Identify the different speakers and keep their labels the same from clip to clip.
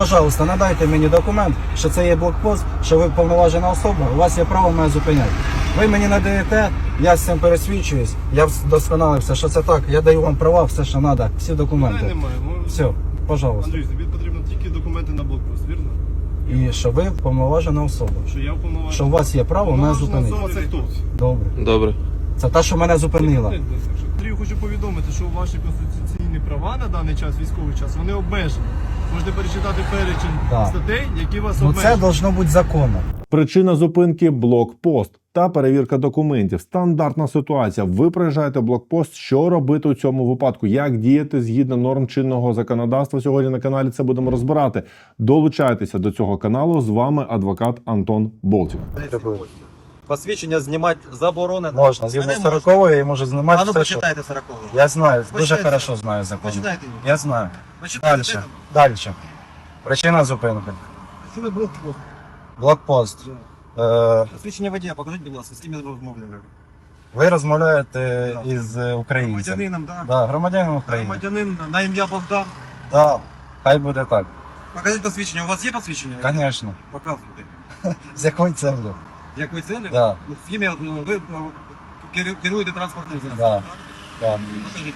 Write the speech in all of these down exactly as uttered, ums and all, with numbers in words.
Speaker 1: Пожалуйста, надайте мені документ, що це є блокпост, що ви повноважена особа, у вас є право мене зупиняти. Ви мені надаєте, я з цим пересвідчуюсь, я вдосконалився, що це так, я даю вам права, все, що треба, всі документи.
Speaker 2: Немає. Ми...
Speaker 1: Все, пожалуйста.
Speaker 2: Андрій, тобі потрібно тільки документи на блокпост, вірно?
Speaker 1: І що ви повноважена особа.
Speaker 2: Що я уповноважений.
Speaker 1: Що у вас є право мене
Speaker 2: Уповноважена
Speaker 1: зупинити.
Speaker 2: особа це хто?
Speaker 1: Добре.
Speaker 3: Добре.
Speaker 1: Це та, що мене зупинила.
Speaker 2: Андрію, хочу повідомити, що ваші конституційні права на даний час, військовий час, вони обмежені. Можете перечитати перечень
Speaker 1: Так.
Speaker 2: статей, які вас
Speaker 1: Ну
Speaker 2: обмежують.
Speaker 1: це должно бути законно.
Speaker 4: Причина зупинки – блокпост та перевірка документів. Стандартна ситуація. Ви проїжджаєте блокпост. Що робити у цьому випадку? Як діяти згідно норм чинного законодавства? Сьогодні на каналі це будемо розбирати. Долучайтеся до цього каналу. З вами адвокат Антон Болтів.
Speaker 5: Посвідчення знімати заборонено.
Speaker 1: Можна, згідно
Speaker 5: Мене
Speaker 1: сорокової я можу знімати
Speaker 5: А ну
Speaker 1: все, що...
Speaker 5: почитайте сорокову.
Speaker 1: Я знаю, дуже
Speaker 5: Почитайте.
Speaker 1: хорошо знаю закон.
Speaker 5: Почитайте її.
Speaker 1: Я знаю.
Speaker 5: Почитайте.
Speaker 1: Дальше. Дальше. Причина зупинки.
Speaker 5: Що ви блокпост?
Speaker 1: Блокпост. Е,
Speaker 5: Посвідчення водія, покажіть, будь ласка, з ким я розмовляю.
Speaker 1: ви розмовляєте із українцем.
Speaker 5: Громадянином, так?
Speaker 1: Да, громадянин України.
Speaker 5: Громадянин на ім'я Богдан.
Speaker 1: Да. Хай буде так.
Speaker 5: Покажіть посвідчення. У вас є посвідчення?
Speaker 1: Звісно.
Speaker 5: Показуйте.
Speaker 1: З якою целью?
Speaker 5: Якої цілі?
Speaker 1: Да.
Speaker 5: Ну, з ім'я, ну, ви ну, керу- керуєте транспортним засобом.
Speaker 1: Да. Да.
Speaker 5: Покажіть.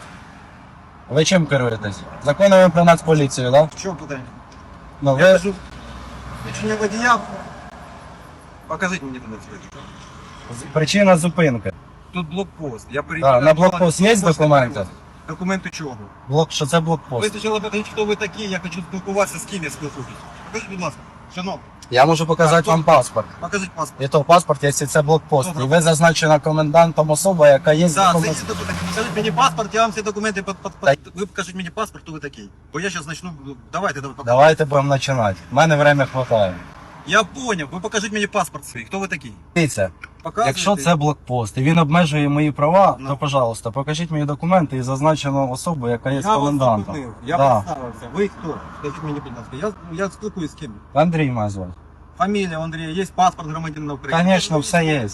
Speaker 1: Ви чим керуєтесь? Законами про нацполіцію, так? Да?
Speaker 5: В чому питання?
Speaker 1: Ну,
Speaker 5: Я
Speaker 1: ви...
Speaker 5: кажу, посвідчення водія. Покажіть мені тоді посвідчення.
Speaker 1: Причина зупинки.
Speaker 5: Тут блокпост. Я
Speaker 1: Да,
Speaker 5: перевіряю.
Speaker 1: на блокпост є документи?
Speaker 5: Документи чого?
Speaker 1: Блок, що це
Speaker 5: Ви
Speaker 1: блокпост?
Speaker 5: спочатку покажіть, хто ви такі, я хочу спілкуватися, з ким я спілкуюсь. Покажіть, будь ласка, шановний,
Speaker 1: Я можу показати вам паспорт.
Speaker 5: покажіть паспорт.
Speaker 1: І то паспорт, якщо це блокпост.
Speaker 5: Добре.
Speaker 1: І ви зазначена комендантом особа, яка є
Speaker 5: Да,
Speaker 1: законом.
Speaker 5: зайдіть документи. Покажіть мені паспорт, я вам всі документи под, под, под... Ви покажіть мені паспорт, хто ви такий. Бо я зараз почну, давайте, давайте.
Speaker 1: Давайте будемо починати. У мене время хватає.
Speaker 5: Я поняв, ви покажіть мені паспорт свій, хто ви такий.
Speaker 1: Дивіться,
Speaker 5: Показуйте.
Speaker 1: якщо це блокпост і він обмежує мої права,
Speaker 5: Ну.
Speaker 1: то, пожалуйста, покажіть мені документи і зазначену особу, яка є
Speaker 5: Я вас
Speaker 1: комендантом.
Speaker 5: зупинив, я
Speaker 1: Да.
Speaker 5: представився. Ви хто? Скажіть мені, будь ласка, я, я спілкуюсь з ким?
Speaker 1: Андрій мене звати.
Speaker 5: Фамілія Андрія, є паспорт громадянина України.
Speaker 1: Звісно, все є.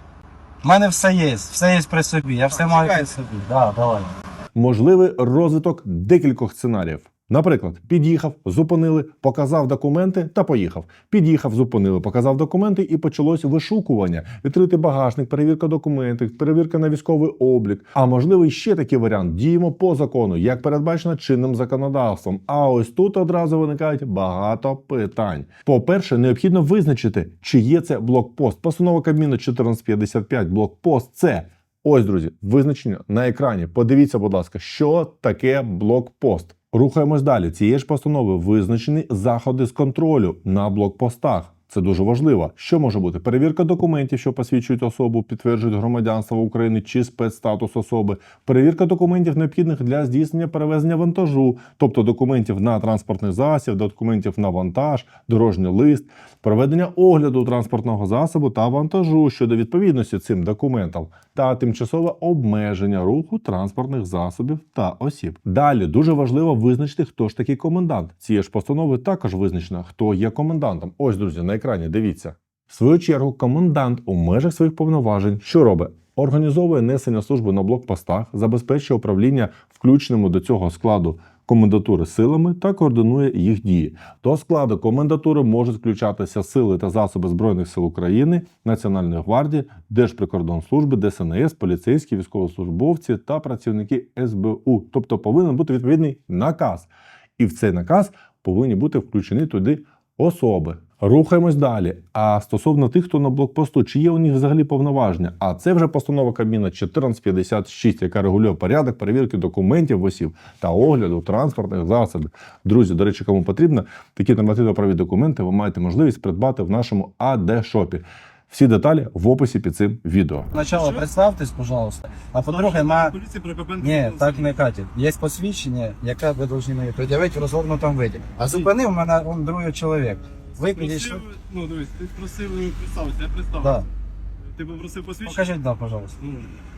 Speaker 1: У мене все є, все є при собі, я все
Speaker 5: Так,
Speaker 1: маю при
Speaker 5: чекайте.
Speaker 1: собі. Да, давай.
Speaker 4: Можливий розвиток декількох сценаріїв. Наприклад, під'їхав, зупинили, показав документи та поїхав. Під'їхав, зупинили, показав документи і почалось вишукування. Відкритий багажник, перевірка документів, перевірка на військовий облік. А можливо, ще такий варіант. Діємо по закону, як передбачено чинним законодавством. А ось тут одразу виникають багато питань. По-перше, необхідно визначити, чи є це блокпост. Постанова Кабміну чотирнадцять п'ятдесят п'ять. Блокпост – це... Ось, друзі, визначення на екрані. Подивіться, будь ласка, що таке блокпост. Рухаємось далі. Цієї ж постанови визначені заходи з контролю на блокпостах. Це дуже важливо. Що може бути? Перевірка документів, що посвідчують особу, підтверджують громадянство України чи спецстатус особи. Перевірка документів, необхідних для здійснення перевезення вантажу, тобто документів на транспортний засіб, документів на вантаж, дорожній лист. Проведення огляду транспортного засобу та вантажу щодо відповідності цим документам. Та тимчасове обмеження руху транспортних засобів та осіб. Далі дуже важливо визначити, хто ж такий комендант. Цієї ж постанови також визначено, хто є комендантом. Ось, друзі, на екрані, дивіться. В свою чергу, комендант у межах своїх повноважень що робить? Організовує несення служби на блокпостах, забезпечує управління включеними до цього складу комендатури силами та координує їх дії. До складу комендатури можуть включатися сили та засоби Збройних сил України, Національної гвардії, Держприкордонслужби, Де Ес Ен Ес, поліцейські, військовослужбовці та працівники Ес Бе У. Тобто повинен бути відповідний наказ. І в цей наказ повинні бути включені туди особи. Рухаємось далі. А стосовно тих, хто на блокпосту, чи є у них взагалі повноваження? А це вже постанова Кабміну чотирнадцять п'ятдесят шість, яка регулює порядок перевірки документів осіб та огляду транспортних засобів. Друзі, до речі, кому потрібно, такі нормативно-правові документи ви маєте можливість придбати в нашому А Де Шопі. Всі деталі в описі під цим відео.
Speaker 1: Спочатку
Speaker 2: Що?
Speaker 1: представтесь, пожалуйста. А по-друге, на...
Speaker 2: Поліція про КП
Speaker 1: Ні, так не катить. Є посвідчення, яке ви повинні мені пред'явити в розгорнутому виді. А зупинив мене он другий чоловік. Ви підійшли?
Speaker 2: Просив, ну дивись, ти просив представитися, я представив.
Speaker 1: Да.
Speaker 2: Ти попросив посвідчення?
Speaker 1: Покажіть, да, пожалуйста.
Speaker 2: Ну,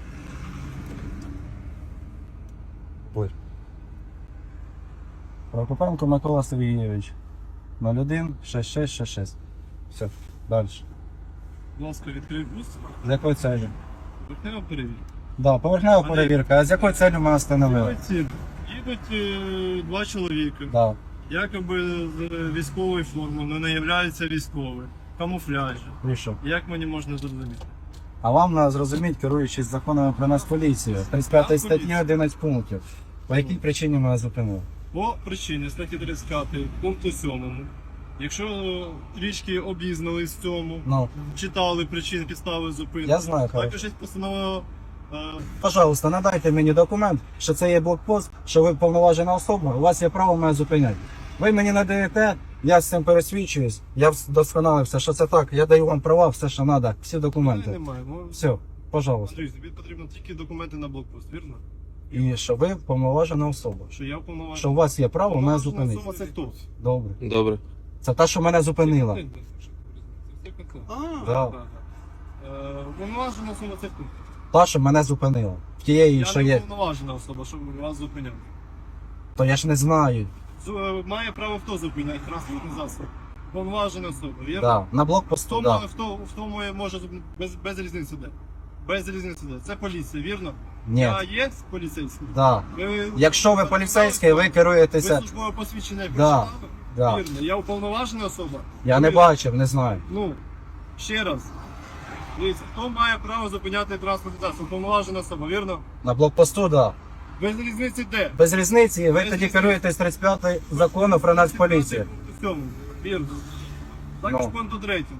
Speaker 1: Ой. Прокопенко Микола Сергійович. нуль один шість шість шість шість. Все, далі.
Speaker 2: будь ласка, відкрий бус.
Speaker 1: З якою целью?
Speaker 2: Поверхнева перевірка.
Speaker 1: Да, поверхнева
Speaker 2: Вони-
Speaker 1: перевірка. А з якою целью мене встановили?
Speaker 2: Їдуть, їдуть е, два чоловіка.
Speaker 1: Да.
Speaker 2: якоби з військової форми, але не являється військовою. Камуфляжі.
Speaker 1: І що?
Speaker 2: Як мені можна зрозуміти?
Speaker 1: А вам треба зрозуміти, керуючись законами про нас поліцію. тридцять п'ята статті одинадцять пунктів. По якій причині мене зупинили?
Speaker 2: По причині статті тридцять п'ять пункту сьомому. Якщо трішки обізнались в цьому,
Speaker 1: Ну,
Speaker 2: читали причини підстави зупинки.
Speaker 1: Я знаю, хорошо.
Speaker 2: Також є постанова. е,
Speaker 1: пожалуйста, надайте мені документ, що це є блокпост, що ви повноважена особа, у вас є право мене зупиняти. Ви мені надаєте, я з цим пересвідчуюсь, я вдосконалився, що це так, я даю вам права, все, що треба, всі документи.
Speaker 2: Немає. Ну,
Speaker 1: Все, пожалуйста.
Speaker 2: Андрій, тобі потрібно тільки документи на блокпост, вірно?
Speaker 1: І що ви повноважена особа.
Speaker 2: Що я уповноважений.
Speaker 1: Що у вас є право мене
Speaker 2: Уповноважена
Speaker 1: зупинити.
Speaker 2: особа це хто?
Speaker 1: Добре.
Speaker 3: Добре.
Speaker 1: Це та, що мене зупинила.
Speaker 2: А,
Speaker 1: Да.
Speaker 2: так. Е, Уповноважена особа це хто?
Speaker 1: Та, що мене зупинила. В тієї,
Speaker 2: Я
Speaker 1: що
Speaker 2: не
Speaker 1: є.
Speaker 2: уповноважена особа, щоб вас зупиняв.
Speaker 1: То я ж не знаю.
Speaker 2: З- е, Має право хто зупиняти транспортний засіб? Уповноважена особа, вірно?
Speaker 1: Да. На
Speaker 2: В
Speaker 1: блокпосту,
Speaker 2: тому,
Speaker 1: да.
Speaker 2: в тому, в тому може зуп- без, без різниці де. Без різниці де. Це поліція, вірно?
Speaker 1: Ні.
Speaker 2: Я є поліцейський?
Speaker 1: Да.
Speaker 2: Ви-
Speaker 1: Якщо ви поліцейський, ви
Speaker 2: Ви
Speaker 1: керуєтеся.
Speaker 2: службове посвідчення
Speaker 1: Да,
Speaker 2: прочитали?
Speaker 1: да.
Speaker 2: Вірно. Я уповноважена особа?
Speaker 1: Я не
Speaker 2: Вірно.
Speaker 1: бачив, не знаю.
Speaker 2: Ну, ще раз. Дивіться, хто має право зупиняти транспортний засіб? Уповноважена особа, вірно?
Speaker 1: На блокпосту, да.
Speaker 2: Без різниці де?
Speaker 1: Без різниці, ви
Speaker 2: Без
Speaker 1: тоді
Speaker 2: різниці.
Speaker 1: керуєтесь тридцять п'ятим закону про нацполіцію.
Speaker 2: В цьому, вірно. Також
Speaker 1: Ну.
Speaker 2: пункту третьому.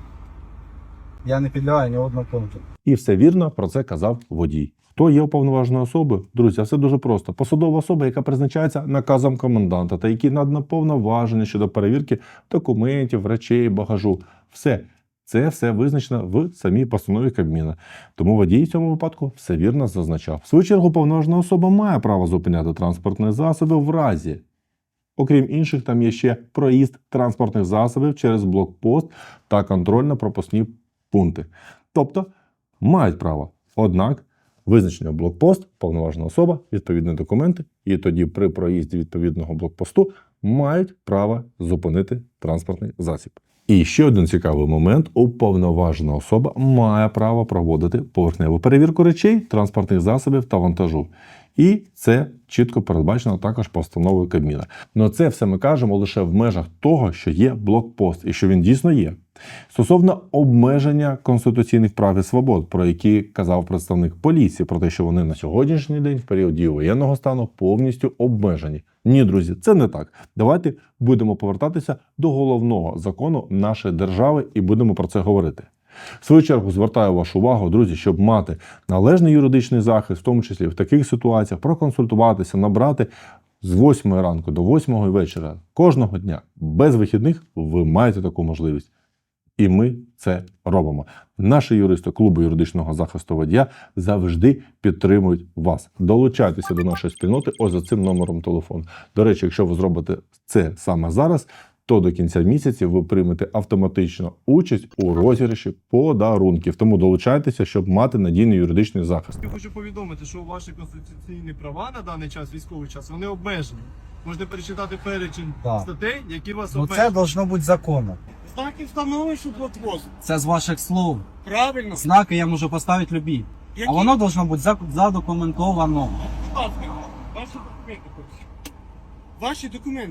Speaker 1: Я не підлягаю ні одного пункту.
Speaker 4: І все вірно про це казав водій. Хто є уповноваженою особою? Друзі, а все дуже просто. Посадова особа, яка призначається наказом коменданта та які надано повноваження щодо перевірки документів, речей, багажу. Все. Це все визначено в самій постанові Кабміна. Тому водій в цьому випадку все вірно зазначав. В свою чергу, уповноважена особа має право зупиняти транспортні засоби в разі. Окрім інших, там є ще проїзд транспортних засобів через блокпост та контрольно-пропускні пункти. Тобто мають право. Однак визначення блокпост, повноважена особа, відповідні документи, і тоді при проїзді відповідного блокпосту мають право зупинити транспортний засіб. І ще один цікавий момент: уповноважена особа має право проводити поверхневу перевірку речей, транспортних засобів та вантажу. І це чітко передбачено також постановою Кабміна. Но це все ми кажемо лише в межах того, що є блокпост і що він дійсно є. Стосовно обмеження конституційних прав і свобод, про які казав представник поліції, про те, що вони на сьогоднішній день, в період дії воєнного стану, повністю обмежені. Ні, друзі, це не так. Давайте будемо повертатися до головного закону нашої держави і будемо про це говорити. В свою чергу звертаю вашу увагу, друзі, щоб мати належний юридичний захист, в тому числі в таких ситуаціях, проконсультуватися, набрати з восьмої ранку до восьмої вечора кожного дня, без вихідних, ви маєте таку можливість. І ми це робимо. Наші юристи клубу юридичного захисту водія завжди підтримують вас. Долучайтеся до нашої спільноти ось за цим номером телефону. До речі, якщо ви зробите це саме зараз, то до кінця місяця ви приймете автоматично участь у розіграші подарунків. Тому долучайтеся, щоб мати надійний юридичний захист.
Speaker 2: Я хочу повідомити, що ваші конституційні права на даний час, військовий час, вони обмежені. Можете перечитати перечень
Speaker 1: Так.
Speaker 2: статей, які вас
Speaker 1: Ну це
Speaker 2: обмежують.
Speaker 1: должно бути законно.
Speaker 6: Знаки встановлюєш у блокпост.
Speaker 1: Це з ваших слов.
Speaker 6: Правильно.
Speaker 1: Знаки я можу поставити любі.
Speaker 6: Які?
Speaker 1: А воно должно бути зак- задокументовано.
Speaker 6: Будь ласка, ваші документи. хочу. Ваші документи.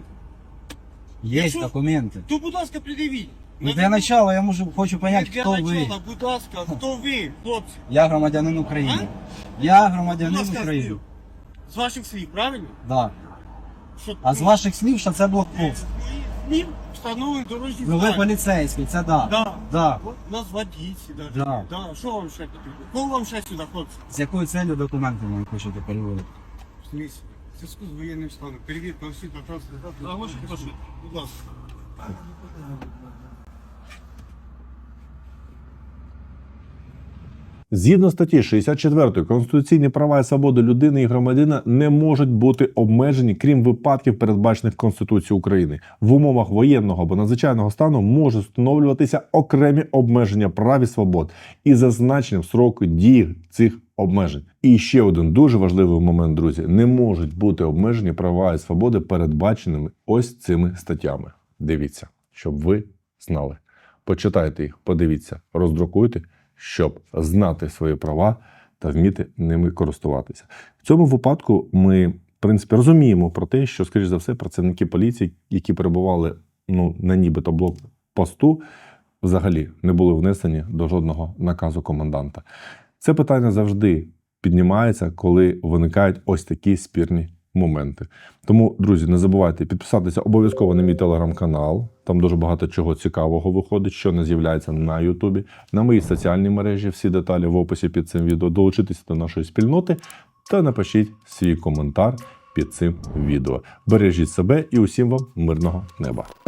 Speaker 1: Є
Speaker 6: Якщо-
Speaker 1: документи.
Speaker 6: То, будь ласка, придивіть.
Speaker 1: Ну, для начала я можу, хочу понять,
Speaker 6: Для
Speaker 1: хто ви.
Speaker 6: начала, будь ласка, хто ви, хлопці?
Speaker 1: Я громадянин України. Я громадянин
Speaker 6: Будь ласка,
Speaker 1: України.
Speaker 6: слів. З ваших слів, правильно?
Speaker 1: Да.
Speaker 6: Що,
Speaker 1: А з ваших слів, що це блокпост.
Speaker 6: слів встановлені дорожні
Speaker 1: Ну ви
Speaker 6: знаки.
Speaker 1: поліцейський, це да.
Speaker 6: Да.
Speaker 1: Да.
Speaker 6: От нас водійці навіть.
Speaker 1: Да.
Speaker 6: Да. Що вам ще потрібно? Кого вам ще сюди, хлопці?
Speaker 1: З якою целью документи ви хочете переводити?
Speaker 6: В смысле? В зв'язку з воєнним станом. Перевірка осіб на транспорт.
Speaker 2: Оголошую, прошу.
Speaker 6: Будь ласка.
Speaker 4: Згідно статті шістдесят четвертої, конституційні права і свободи людини і громадянина не можуть бути обмежені, крім випадків, передбачених Конституцією України. В умовах воєнного або надзвичайного стану можуть встановлюватися окремі обмеження прав і свобод і зазначенням строку дії цих обмежень. І ще один дуже важливий момент, друзі: не можуть бути обмежені права і свободи, передбаченими ось цими статтями. Дивіться, щоб ви знали. Почитайте їх, подивіться, роздрукуйте, щоб знати свої права та вміти ними користуватися. В цьому випадку ми принципі, розуміємо про те, що, скоріш за все, працівники поліції, які перебували ну, на нібито блокпосту, взагалі не були внесені до жодного наказу коменданта. Це питання завжди піднімається, коли виникають ось такі спірні моменти. Тому, друзі, не забувайте підписатися обов'язково на мій телеграм-канал. Там дуже багато чого цікавого виходить, що не з'являється на Ютубі. На моїй соціальній мережі, всі деталі в описі під цим відео. Долучитися до нашої спільноти та напишіть свій коментар під цим відео. Бережіть себе і усім вам мирного неба.